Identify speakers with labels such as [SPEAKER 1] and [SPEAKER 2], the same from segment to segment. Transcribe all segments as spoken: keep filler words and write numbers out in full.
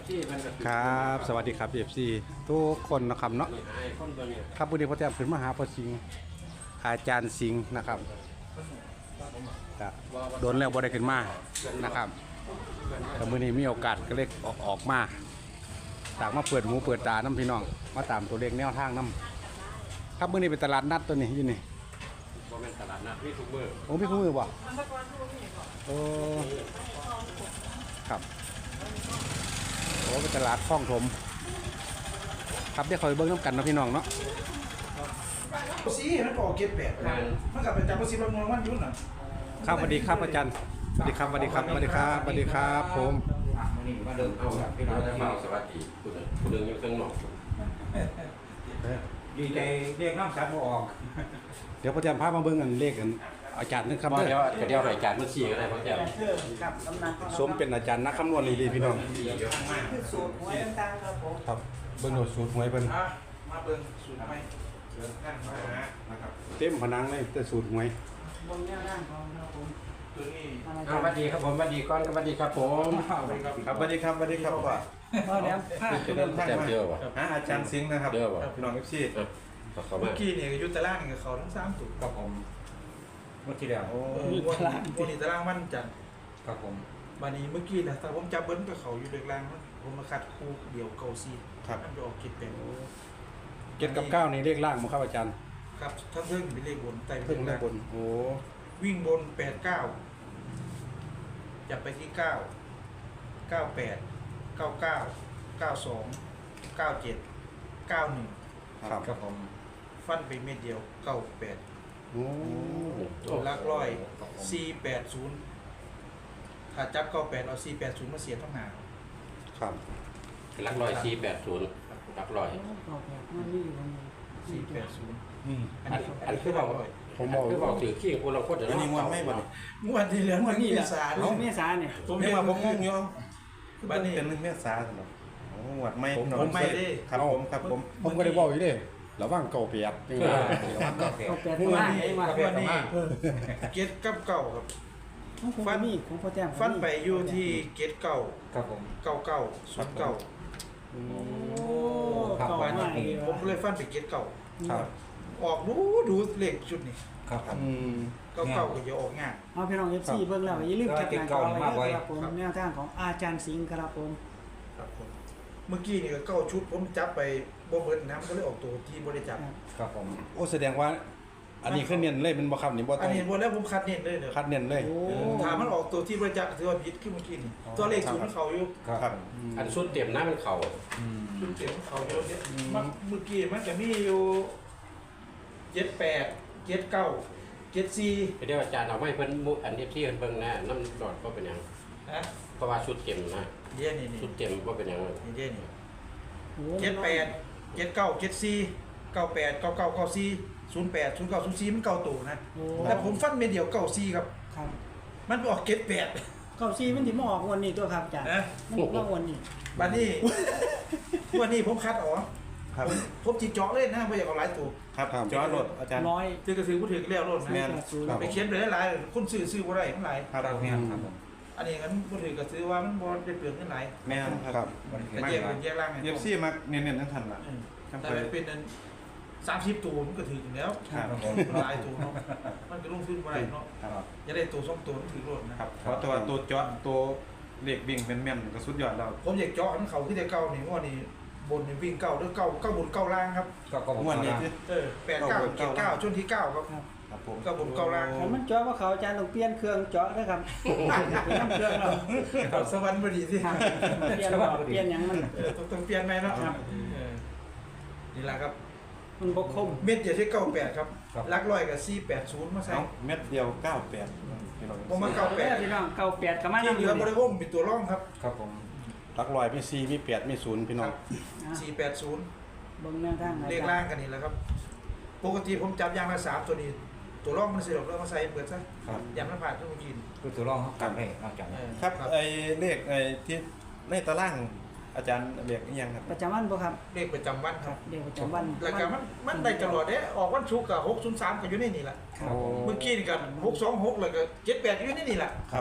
[SPEAKER 1] ครับสวัสดีครับเอฟซีทุกคนนะครับเนาะครับวันนี้พ่อแต้มขึ้นมาหาพ่อสิงห์อาจารย์สิงห์นะครับก็โดนแล้วบ่ได้ขึ้นมานะครับแต่มื้อนี้มีโอกาสก็เลยออกออกมาตากมาเปิดหูเปิดตาน้ำพี่น้องมาตามตัวเลขแนวทางน้ำครับมื้อนี้เป็นตลาดนัดตัวนี้อยู่นี่
[SPEAKER 2] บ่แม่นตลาดนัดพี่ทุกมื้อ
[SPEAKER 1] โอ้พี่คู่มือบ่โอ้ครับโอ้เป็นตลาดคลองถมครับเดี๋ยวคอยเบิ้งน้ำกันนะพี่น้องเนาะ
[SPEAKER 3] ซีมันก็ออกเก็บแบบมันกลับไปจำภาษีประมวลวันยุ่นน่ะ
[SPEAKER 1] ครับสวัสดีครับอาจารย์สวัสดีครับสวัสดีครับสวัสดีครับสวัสดีครับผม
[SPEAKER 2] มาเดินเอาพี่น้องได้มาสวัสดีคุณคุณเดินอยู่ข้างนอก
[SPEAKER 3] ดีใจเรียกน้ำสัตว์ออก
[SPEAKER 1] เดี๋ยวพ่อแจมพามาเบิ้งกันเลขกันอาจารย์นึกคำ
[SPEAKER 2] เดี๋
[SPEAKER 1] เด้
[SPEAKER 2] ยว
[SPEAKER 1] อ
[SPEAKER 2] เดี๋ยวรายการมันชี้ก็ได้พ่อแก้ว
[SPEAKER 1] สมเป็นอาจารย์นักคำนวณดีๆพี่น้อง
[SPEAKER 3] คือสูตรหวยต่างๆครับผม
[SPEAKER 1] ครับเบิ้งโดดสูตรหวยเพิ่น
[SPEAKER 3] มาเบิ่งสูตรใหม่เชิญท่านมานะครับ
[SPEAKER 1] เต็มผนังเลยแต่สูตรหวย
[SPEAKER 4] บนแนวด้านของเราผม
[SPEAKER 3] ตัวนี้
[SPEAKER 2] สวัสดีครับผมสวัสดีก้อนสวัสดีครับผม
[SPEAKER 3] ครับสวัสดีครับสวัสดีครับว่า
[SPEAKER 4] เพราะแล้วผ้า
[SPEAKER 2] เดินทางเดียววะ
[SPEAKER 3] ฮะอาจารย์ซิงห์นะครับ
[SPEAKER 2] เดียววะ
[SPEAKER 3] พี่น้องเอฟซี
[SPEAKER 2] เขา
[SPEAKER 3] เมื่
[SPEAKER 2] มา
[SPEAKER 3] อกี้เนี่ยยุทธล่างกับเขาทั้งสามตัวครับผมเมื่อกี้เดียวโอ้วันวันนี้ตารางมันจันครับผมวันนี้เมื่อกี้นะแต่ผมจับเบิ้ลกับเขาอยู่เด็กล่างผมมาคัดคู่เดี่ยวเกาซีครับมันจะออกคิดเป็น
[SPEAKER 1] เจ็ดกับเก้านี่เลขล่างมั้งครับอาจารย์
[SPEAKER 3] ครับถ้าเพิ่งเป็นเลขบนไต่
[SPEAKER 1] เพิ่งเลขบนโอ้
[SPEAKER 3] วิ่งบนแปดเก้าจับไปที่เก้าเก้าแปดเก้าเก้าเก้าสองเก้าเจ็ดเก้าหนึ่ง
[SPEAKER 1] ครับ
[SPEAKER 3] ครับผมฟันไปเม็ดเดียวเก้าแปด
[SPEAKER 1] โอ้
[SPEAKER 3] ลักร้อยสี่แปดศูนย์ถ้าจับเก้าแปดเอาสี่แปดศูนย์มาเสียต้องหา
[SPEAKER 1] ครับ
[SPEAKER 2] ลักร้อยสี่แปดศูนย์ลักร้อย
[SPEAKER 4] ต่อแบบมันมีอยู่บนนี้
[SPEAKER 3] สี่แปดศูนย์
[SPEAKER 1] อืม
[SPEAKER 3] อันนี้อันนี้คือเรา
[SPEAKER 1] ผมบอก
[SPEAKER 2] คือบอกถือขี้คนเราโคตร
[SPEAKER 1] อันนี้มันไม่บ่
[SPEAKER 3] งวดที่เหลือมันนี่สาร
[SPEAKER 4] เอาเมษาเนี่ย
[SPEAKER 3] ผมเห็นว่าผมงงอยู่
[SPEAKER 5] บ้านนี้เป็นหนึ่งเมษาสำหรับโอ้หวัดไม่
[SPEAKER 3] ผมผมไม่ได้
[SPEAKER 5] ครับผมครับผม
[SPEAKER 1] ผมก็ได้บอกอยู่เด้ระวังเก่าเปียกนี่ว่า
[SPEAKER 4] เอาแปดตัวมาไอ้มา
[SPEAKER 3] วันนี้เกตกับเก่าครับ
[SPEAKER 4] ฟันมีของพ่อแต้ม
[SPEAKER 3] ฟันไปอยู่ที่เกตเก่า
[SPEAKER 5] ครับผม
[SPEAKER 3] เก่าเก่าศูนย์เก่า
[SPEAKER 4] โอ้เก่า
[SPEAKER 3] วัน
[SPEAKER 4] มา
[SPEAKER 3] นี้
[SPEAKER 4] ก
[SPEAKER 3] ผมผมเลยฟันไปเกตเก่า
[SPEAKER 1] ครับ
[SPEAKER 3] ออกดูดูเลขชุดนี้
[SPEAKER 5] ครับครับ
[SPEAKER 1] อืม
[SPEAKER 3] เก่าเก่าก็จะออกง่าย
[SPEAKER 4] เอาพี่น้องเอฟซีเบิ่งแล้วอย่าลืมแคปหน้าจอไว้ด้วยครับผมแนวทางของอาจารย์สิงห์ครับผม
[SPEAKER 3] ครับผมเมื่อกี้นี่ก็เก้าชุดผมจับไปบ่เบิดน้ำก็เลยออกตัวที่บริจับ
[SPEAKER 5] ครับผม
[SPEAKER 1] โอ้แสดงว่าอันนี้คือเน้นเลยเป็นบ่ครับนี่บ่
[SPEAKER 3] อั
[SPEAKER 1] ต้
[SPEAKER 3] น
[SPEAKER 1] อง
[SPEAKER 3] นี้หมดแล้วผมคัดเน้นเลยเด้อ
[SPEAKER 1] คัดเน้นเลย
[SPEAKER 4] โอ้
[SPEAKER 3] ถามมันออกตัวที่บริจักถือว่าผิดขึ้นเมื่อกี้นี่ตัวเลขศูนย์เขาอยู่
[SPEAKER 5] ครับ
[SPEAKER 2] อันสุดเต็มหน้ามันเข่า
[SPEAKER 3] ชุดเสียงเขาอยู่เนี่ยมันเมื่อกี้มันจะมีอยู่เจ็ดแปดเจ็ดเก้าเจ็ดสี่
[SPEAKER 2] เดี๋ยวอาจารย์เอาไม้เพิ่นมุอันที่ที่เพิ่นเบิ่งนะน้ำดอดก็เป็นหยัง
[SPEAKER 3] นะ
[SPEAKER 2] เพราะว่าชุดเต็มนะ
[SPEAKER 3] เดี๋ยวนี่นี่
[SPEAKER 2] ชุดเต็มก็เป็นหยัง
[SPEAKER 3] นี่เดี๋ยวนี่
[SPEAKER 4] โห
[SPEAKER 3] เจ็ดแปดเจ็ดเก้าเจ็ดสี่เก้าแปดเก้าเก้าเก้าสี่ศูนย์แปดศูนย์เก้าศูนย์สี่มันเก้าตัวนะ
[SPEAKER 4] โอ้
[SPEAKER 3] แต่ผมฟันเม็ดเดียวเก้าสี่ครับ
[SPEAKER 4] ครับ
[SPEAKER 3] มันออกเจ็ดแปด
[SPEAKER 4] เก้าซีมันถึงมาออกวันนี้ตัวครับอาจารย์
[SPEAKER 3] นะ
[SPEAKER 4] มันออกวันนี้
[SPEAKER 3] บัดนี้วันนี้ผมคัดออก
[SPEAKER 5] ครับ
[SPEAKER 3] ผมผมจีเจาะเลยนะไม่อยากเอาหลายตัว
[SPEAKER 5] ครับจอรถอาจารย์
[SPEAKER 4] ร้อย
[SPEAKER 3] ที่กระสือผู้ถือแล้วรถ
[SPEAKER 4] สี่
[SPEAKER 3] นะ
[SPEAKER 4] แปดศูนย์
[SPEAKER 3] ไปเขียนไปหลายๆคนซื้อซื้อบ่ได้มันหลาย
[SPEAKER 5] ครับแม่ครับผม
[SPEAKER 3] อันนี้งั้นผู้ถือกระซื้อว่ามันบ่ได้เปลืองเงินหลาย
[SPEAKER 5] แม่ครับ
[SPEAKER 3] กระแยกเป็นแยกล่างไง
[SPEAKER 5] เอฟซีมาเน้นๆทั้งทันละ
[SPEAKER 3] อืมแต่เป็นอันสามสิบตัวมันก็ถือถึงแล้ว
[SPEAKER 5] ครับผม
[SPEAKER 3] หลายตัวเนาะมันก็ลงทุนบ่ได้เนาะ
[SPEAKER 5] ครับ
[SPEAKER 3] จะได้ตัวสองตัวมันถือรถนะครับ
[SPEAKER 5] เพราะตัวตัวจอตัวเหล็กวิ่งเป็นแม่นก็สุดยอดแล้ว
[SPEAKER 3] ผมอยากเจาะมันเขาที่ได้เก้านี่ว่านี่บนนี่วิ่งเก้าหรือเก้าเก้าบนเก้าล่างครับ
[SPEAKER 5] ก็ก็ม่วนนี่ที่
[SPEAKER 3] เออแปดเก้าเจ็ดเก้าช่วงที่เก้าครับ
[SPEAKER 5] ครับผม
[SPEAKER 3] เก้าบนเก้าล่าง
[SPEAKER 4] แต่มันเจาะว่าเขาอาจารย์ต้องเปลี่ยนเครื่องเจาะนะครับเปลี่ยนเครื่องเรา
[SPEAKER 3] เอาสวรรค์พอดีสิ
[SPEAKER 4] ครับเปลี่ยนว่าเปลี่ยนหยังมัน
[SPEAKER 3] เออต้องต้องเปลี่ยนไหมเนาะ
[SPEAKER 4] ครับ
[SPEAKER 3] เออนี่แหละครับ
[SPEAKER 4] มันบกคม
[SPEAKER 3] เม็ดเดียวที่เก้าแปดครับลักร้อยกับสี่แปดศูนย์มาใส่
[SPEAKER 5] เอาเม็ดเดียวเก้าแปดพี่น้อง
[SPEAKER 3] ผมมาเก้าแปด
[SPEAKER 4] พี่น้องเก้าแปดกับมา
[SPEAKER 3] ที่
[SPEAKER 4] นำ
[SPEAKER 3] เห
[SPEAKER 4] อ
[SPEAKER 3] ลื
[SPEAKER 4] ยู่
[SPEAKER 3] อบริวงเป็นตัวร่องครับ
[SPEAKER 5] ครับผม
[SPEAKER 1] หลักร้อยมีสี่มีแปดมีศูนย์พี่น้อง
[SPEAKER 3] สี่แปดศูนย์
[SPEAKER 4] เบิ่งแนวทาง
[SPEAKER 3] เลขล่างกันนี่แหละครับ ปกติผมจับยางละสามตัวนี้ ตัวร่องมันสิหลบแล้วมาใส่เปิดซะ
[SPEAKER 5] ครับ
[SPEAKER 3] ยางละผ่านต้องกิน
[SPEAKER 6] คือตัวรองเขากลับให้นอกจาก
[SPEAKER 3] เออ
[SPEAKER 5] ครับไอ้เลขไอ้ที่ในตารางอาจารย์เรียกอีหยังครับ
[SPEAKER 4] ประจำวันบ่ครับ
[SPEAKER 3] เลขประจำวันครับ
[SPEAKER 4] เดี๋ยวประจำวัน
[SPEAKER 3] แล้วก็มันมันได้ตลอดเด้ออกวันศุกร์กับหกศูนย์สามก็อยู่ในนี่แหละ
[SPEAKER 4] ครับ
[SPEAKER 3] เมื่อกี้นี่ก็หกสองหกแล้วก็เจ็ดแปดอยู่ในนี่แหละ
[SPEAKER 5] ครับ
[SPEAKER 3] อ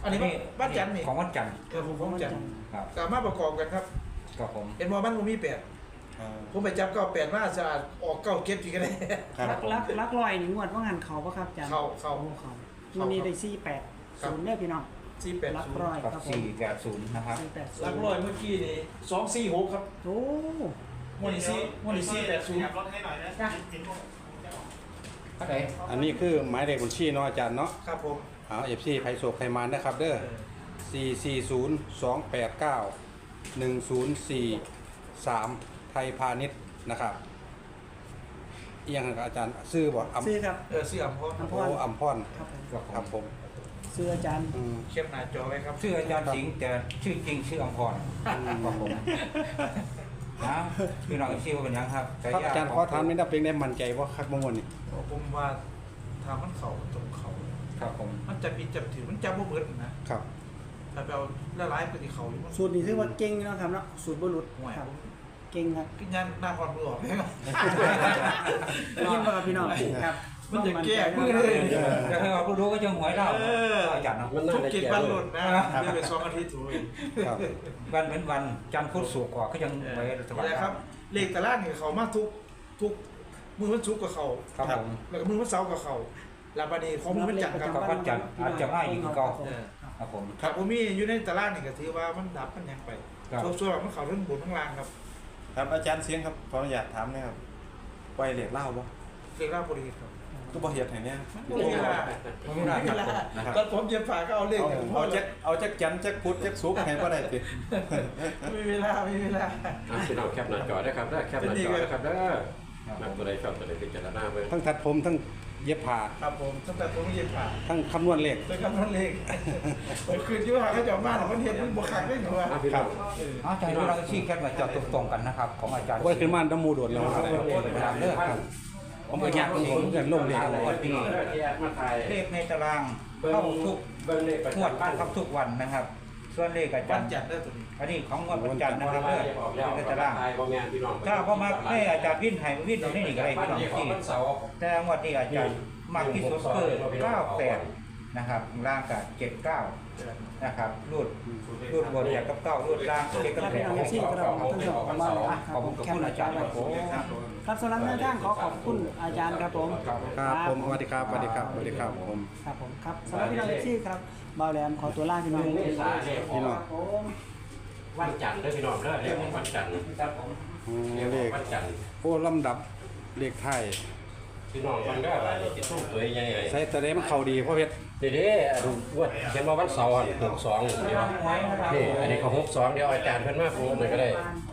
[SPEAKER 3] อันนี้บ้านจันทร์นี่
[SPEAKER 6] ของวันจันทร์
[SPEAKER 3] เออผมของจันทร์
[SPEAKER 6] ครับ
[SPEAKER 3] สามารถประกอบกันครับ
[SPEAKER 6] ครับผม
[SPEAKER 3] เห็นว่ามันบ่มีแปด
[SPEAKER 5] อ่า
[SPEAKER 3] ผมไปจับเก้าแปดมาสะอาดออกเก้าเก็บทีก็ได้
[SPEAKER 5] ครับ
[SPEAKER 4] ลักลักลักลอยนี่งวดว่างานเขาปะครับอาจารย์
[SPEAKER 3] เข้าเข้า
[SPEAKER 4] โอ้เขาวันนี้ได้สี่แปด
[SPEAKER 3] ครับ
[SPEAKER 4] ศูนย์เนี่ยพี่น้อง
[SPEAKER 3] สี่แปด
[SPEAKER 4] ลัก
[SPEAKER 3] ศูน
[SPEAKER 4] ร้อ
[SPEAKER 3] ย์
[SPEAKER 4] ย
[SPEAKER 6] กับ
[SPEAKER 4] ครับผม
[SPEAKER 6] สี่แปดศูนย์นะครับ
[SPEAKER 4] สี่แปดศู
[SPEAKER 3] ลั
[SPEAKER 4] น
[SPEAKER 3] ก
[SPEAKER 4] ย์
[SPEAKER 3] ร้อยเมื่อกี้นี่สองสี่หกครับ
[SPEAKER 4] โอ้
[SPEAKER 3] มวนี่สี่มวนี่สี่แปดศูนย์
[SPEAKER 4] จ้ะ
[SPEAKER 6] ก็ได้
[SPEAKER 1] อันนี้คือหมายเลขบัญชีเนาะอาจารย์เนาะ
[SPEAKER 3] ครับผม
[SPEAKER 1] เอาเอฟซีไพโศกไพมานนะครับเด้อสี่สี่ศูนย์สองแปดเก้าหนึ่งศูนย์สี่สามไทยพาณิชย์นะครับเอียงกับอาจารย์ซื้อบ่อัม
[SPEAKER 4] ซื้อครับ
[SPEAKER 3] เออสี่อัมพร
[SPEAKER 4] อัมพ
[SPEAKER 1] โอ้อัมพร
[SPEAKER 4] ครับผม
[SPEAKER 6] ครับ
[SPEAKER 1] ครับผม
[SPEAKER 4] ซื้ออาจารย์
[SPEAKER 1] อืม
[SPEAKER 3] เข้มหน้าจอไว้ครับ
[SPEAKER 6] ชื่ออาจารย์สิงห์แต่ชื่อจริงชื่ออมพรครับผมนะพี่น้องชื่อว่าเป็นยังครับ
[SPEAKER 1] ครับอาจารย์ขอถามนิดนึงเป็นได้มั่นใจว่าคักมงวลนี่
[SPEAKER 3] ผมว่าทำมันเข่าตรงเขา
[SPEAKER 6] ครับผม
[SPEAKER 3] มันจะมีจับถือมันจับบ่เบิดนะครับ ถ้าไปเอาละลายไปที่เขาอยู่มัน
[SPEAKER 4] สูตรนี้ถือว่าเก่งเนาะครับเนาะสูตรบรุษ
[SPEAKER 3] ห่วย
[SPEAKER 4] ครับเก่งครับ
[SPEAKER 3] กินยันหน้าความมือออกไหมครับ
[SPEAKER 4] ได้ยินบ่ครับพี่น้องครับ
[SPEAKER 3] มันจะแก้มือ
[SPEAKER 4] เล
[SPEAKER 3] เลย ย
[SPEAKER 6] แต่ถ้าเรารู้ก็จะหวยเราอาจารย์เนาะ
[SPEAKER 2] มันน่า
[SPEAKER 3] ทุก
[SPEAKER 2] จะ
[SPEAKER 3] กิน
[SPEAKER 2] แก่
[SPEAKER 3] บันห
[SPEAKER 2] เล
[SPEAKER 3] ลุ
[SPEAKER 2] ย
[SPEAKER 3] ดนะเดี๋ยวไปสองอาทิตย์ถูกเลย
[SPEAKER 1] ครับ
[SPEAKER 6] วันเป็นวันจันทร์พุธศุกร์กว่าก็ยังหวยสบาย
[SPEAKER 3] นี่แหละครับเลขตารางนี่เขามาทุกทุกมือวันศุกร์กับเขา
[SPEAKER 6] ครับผม
[SPEAKER 3] แล้วก็มือวันเสาร์กับเขาลาบานีของมือวันจันทร์ครับ
[SPEAKER 6] ครับวันจันทร์อาจจะง่ายอีกก็
[SPEAKER 3] เออ
[SPEAKER 6] ครับผม
[SPEAKER 3] ครับผมมีอยู่ในตารางนี่ก็ถือว่ามันดับมันยังไป
[SPEAKER 6] ครับ
[SPEAKER 3] ส่วนๆมันเขาเรื่องบนข้างล่างครับ
[SPEAKER 5] ครับอาจารย์เสียงครับขออนุญาตถามหนะครับปล่อยเหรียญเหล้าบ่
[SPEAKER 3] เรียกราบบริษัทครับ
[SPEAKER 5] ก็บ่เฮ็ดให้เนี่ย
[SPEAKER 3] ไม่มีเวลา
[SPEAKER 6] ไม่ได้
[SPEAKER 3] ไม่มีเวลา
[SPEAKER 5] นะครับ
[SPEAKER 3] ตอนผมเจ็บฝาก็เอาเลข
[SPEAKER 5] เอา
[SPEAKER 3] อย่าง
[SPEAKER 5] เอาจักเอาจักจันทร์จักพุธจักศุกร์ให้บ่ได้ติ
[SPEAKER 3] ไม่มีเวลาไม่มีเวลา
[SPEAKER 2] อ่ะพี่น้องแคปหน้าจอได้ครับได้แคปหน้าจอได้ครับเด้อนักตัวใดชอบตัวใดพิจารณาเบิ่ง
[SPEAKER 1] ทั้งทัดผมทั้งเย็บผ้า
[SPEAKER 3] ครับผมตั้งแต่ผมเจ็บฝา
[SPEAKER 1] ทั้งคำนวณเลข
[SPEAKER 3] เป็นคำนั้นเลขผมคืนที่ว่าเขาจะมาหรอกมันเห็นมันบวกขังได้หนูว่า
[SPEAKER 2] อ่ะพี่น้อง
[SPEAKER 6] อาจารย์พี่น้องชี้แค่มาจอดตรงๆกันนะครับของอาจารย์
[SPEAKER 1] ไว้ขึ้นมาน้ำมูโดดแล้วครับ
[SPEAKER 6] เลือกครับ
[SPEAKER 1] ผมก็อยากผมผมเกินลงเลข
[SPEAKER 6] ครับวันนี้
[SPEAKER 2] ที่แอดมาถ่าย
[SPEAKER 6] เลขในตารางเข้าทุก
[SPEAKER 2] เบิ่งเลขประ
[SPEAKER 6] งวด
[SPEAKER 2] จำบ้าน
[SPEAKER 6] เข้าทุกวันนะครับ ส่วนเลขอาจา
[SPEAKER 3] วั
[SPEAKER 6] ร
[SPEAKER 3] น
[SPEAKER 6] ย์
[SPEAKER 3] จันทร์ได้ตัวนี้
[SPEAKER 6] อันนี้ของงวดวันจันทร์นะครับ
[SPEAKER 2] เล
[SPEAKER 6] เลือก
[SPEAKER 2] ออกแล้ว
[SPEAKER 6] ใน
[SPEAKER 2] ตา
[SPEAKER 6] ตาราง
[SPEAKER 2] บ่แม่นพี่น้อง
[SPEAKER 6] ถ้าพ่อมาให้อาจารย์วิ่นให้วิ่นตรงนี้นี่ก็ได้พี่น้อง
[SPEAKER 2] ที่
[SPEAKER 6] ที่
[SPEAKER 2] วันเสาร์
[SPEAKER 6] แต่งวดนี้อาจารย์มากที่สุดคือเก้าแปดนะครับล่างกับเจ็ดเก้านะครับรูดรูดบนจากกับเก้ารูดล่างเจ็ดกับ
[SPEAKER 4] ครับ
[SPEAKER 6] แป
[SPEAKER 4] พี่
[SPEAKER 6] ด
[SPEAKER 4] น้องเอฟซีครับท่านผู้ชมมาเลยอ่ะค
[SPEAKER 6] ข
[SPEAKER 4] รั
[SPEAKER 6] อ
[SPEAKER 4] บบ ผ
[SPEAKER 6] คุ
[SPEAKER 4] ม
[SPEAKER 6] ณกับ
[SPEAKER 4] แคป
[SPEAKER 6] คุณ
[SPEAKER 4] หน้า
[SPEAKER 6] อา
[SPEAKER 4] จ
[SPEAKER 6] จา
[SPEAKER 4] อ
[SPEAKER 6] รย์
[SPEAKER 4] ไว้
[SPEAKER 6] ครับ
[SPEAKER 4] ครับสำหรับแนวทางขอขอบคุณอาจารย์ครับผม
[SPEAKER 1] ครับผมสวัสดีครับสวัสดีครับสวัสดีครับผม
[SPEAKER 4] ครับผมครับสำหรับพี่น้องเอฟซีครับบ่าวแหลมขอตัวลาพี่น้อง
[SPEAKER 2] เมษาเนี่ย
[SPEAKER 1] พี่น้อง
[SPEAKER 4] ผม
[SPEAKER 2] วันจันทร์เด้อพี่น้องเด้อเรียกว่าวันจันทร์
[SPEAKER 1] อืม
[SPEAKER 2] เรียก
[SPEAKER 1] เล
[SPEAKER 2] ว่า
[SPEAKER 1] ข
[SPEAKER 2] วันจันทร์
[SPEAKER 1] โอ้ลำดับเลขไทย
[SPEAKER 2] พี่น้องฟังได้อะไรที่สู้ตัวใหญ่ๆ
[SPEAKER 1] ใส่ตัวเดมันเข้าดีเพราะเพชร
[SPEAKER 2] เดี๋ยวนี้อันว่าเขียนมาวันเสาร์อ่ะหกสองเดียวนี่อันนี้เขาหกสองเดียวอาจารย์เพิ่นมาพูดหน่อยก็ได้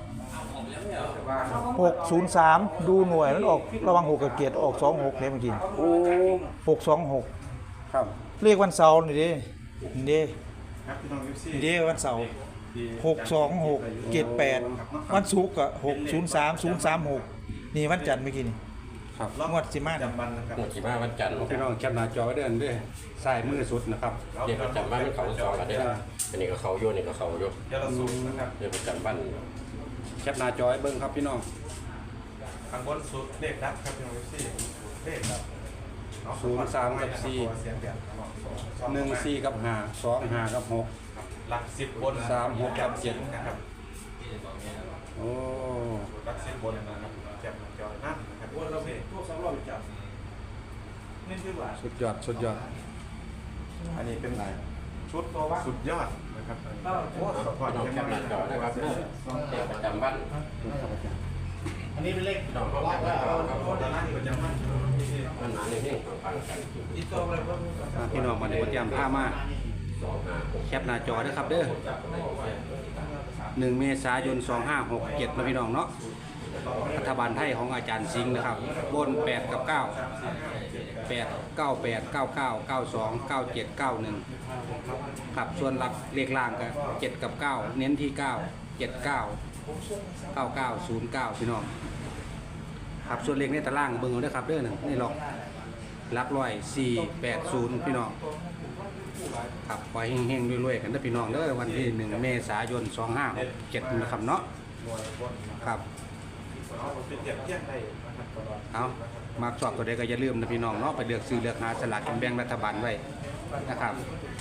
[SPEAKER 3] หกศูนย์สามดูหน่วยมันออกระวังหกกับเกียรติออกสองหกเลยเมื่อกี้
[SPEAKER 1] โอ้
[SPEAKER 3] หกสองหก
[SPEAKER 1] ครับ
[SPEAKER 3] เลขวันเสาร์นี่ดินี่ดิ
[SPEAKER 5] ครับพี่น้อง เอฟ ซี
[SPEAKER 3] นี่ดิวันเสาร์หกสองหกเกียรติแปดวันศุกร์ก็หกศูนย์สามศูนย์สามหกนี่วันจันทร์เมื่อกี้นี่
[SPEAKER 1] ครับ
[SPEAKER 3] งวดสิมา
[SPEAKER 5] จำบันนะครับ
[SPEAKER 2] หมดกี่มาวันจันทร์
[SPEAKER 1] พี่น้องแคปหน้าจอไว้เดินด้วยสายมือสุดนะครับ
[SPEAKER 2] เดี๋ยวประจำบ้านมันเขาสองกันเด้ออันนี้ก็เขาโยนนี่ก็เขาโยน
[SPEAKER 5] เดี๋ยวเราสูงนะครับ
[SPEAKER 2] เดี๋ยวประจำบ้าน
[SPEAKER 1] แคปหน้าจอไว้เบิ่งครับพี่น้อง
[SPEAKER 5] ข้างบนสุดเลขดับครับพี่น้อง เอฟ ซีเลขดับ
[SPEAKER 1] ศูนย์สามกับสี่
[SPEAKER 5] เสียงแดดครับ
[SPEAKER 1] หนึ่งสี่กับห้าสองห้ากับหก
[SPEAKER 5] หลักสิบบน
[SPEAKER 1] สามหกกับเจ็ด
[SPEAKER 5] นะครับ
[SPEAKER 1] โอ้
[SPEAKER 5] หลักสิบบนนะครับแจ่มจอนั่นนะครับ
[SPEAKER 3] วันเราเป็นพวกสองร้อยจับนี่คือว่า
[SPEAKER 1] สุดยอดสุดยอด
[SPEAKER 5] อันนี้เป็นชุดสุดยอดนะครับโอ้ขอ
[SPEAKER 2] พี่น้องแคปหน้าจอนะครับเด้อเดี๋ยวประจำบ้าน
[SPEAKER 3] อันนี้เป็นเลข
[SPEAKER 2] พี่น้องก็แคปหน้าจอครับ
[SPEAKER 5] ขอด้านล่างที่ประจำมัน
[SPEAKER 2] มันหนาในนี่ฟังกัน
[SPEAKER 3] อีกตัวอะไรบ้าง
[SPEAKER 1] อ่าพี่น้องมาในโปรแกรมผ้ามา
[SPEAKER 2] สองห้าหก
[SPEAKER 1] แคปหน้าจอนะครับเด้อหนึ่งเมษายนสองห้าหกเจ็ดนะพี่น้องเนาะรัฐบาลไทยของอาจารย์สิงห์นะครับบนแปดกับเก้าแปดเก้าแปดเก้าเก้าเก้าสองเก้าเจ็ดเก้าหนึ่งครับส่วนหลักเลขล่างก็เจ็ดกับเก้าเน้นที่เก้าเจ็ดเก้าเก้าเก้าศูนย์เก้าพี่น้องครับส่วนเลขในตารางเบิ่งเอาเด้อครับเด้อหนึ่งนี่หรอกหลักร้อยสี่แปดศูนย์พี่น้องครับขอให้เฮงๆรวยๆกันเด้อพี่น้องเด้อวันที่หนึ่งเมษายนสองห้าหกเจ็ดนะครับเนาะ
[SPEAKER 5] หน่วยบน
[SPEAKER 1] ครับ
[SPEAKER 5] เอาเป็นเทียบเทียบได้นะครับตลอด
[SPEAKER 1] เอามากสอบตัวใดก็อย่าลืมนะพี่น้องเนาะไปเลือกซื้อเลือกหาสลากกินแบ่งรัฐบาลไว้นะครับ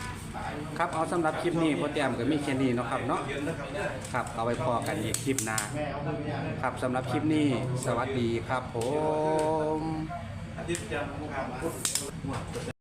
[SPEAKER 1] ครับเอาสำหรับคลิปนี้พ่อแต้มก็มีแค่นี้เนาะครับเนาะครับเอาไว้พอกันอีกคลิปหน้าครับสำหรับคลิปนี้สวัสดีครับผม
[SPEAKER 3] อาทิตย์จันทร์พุธ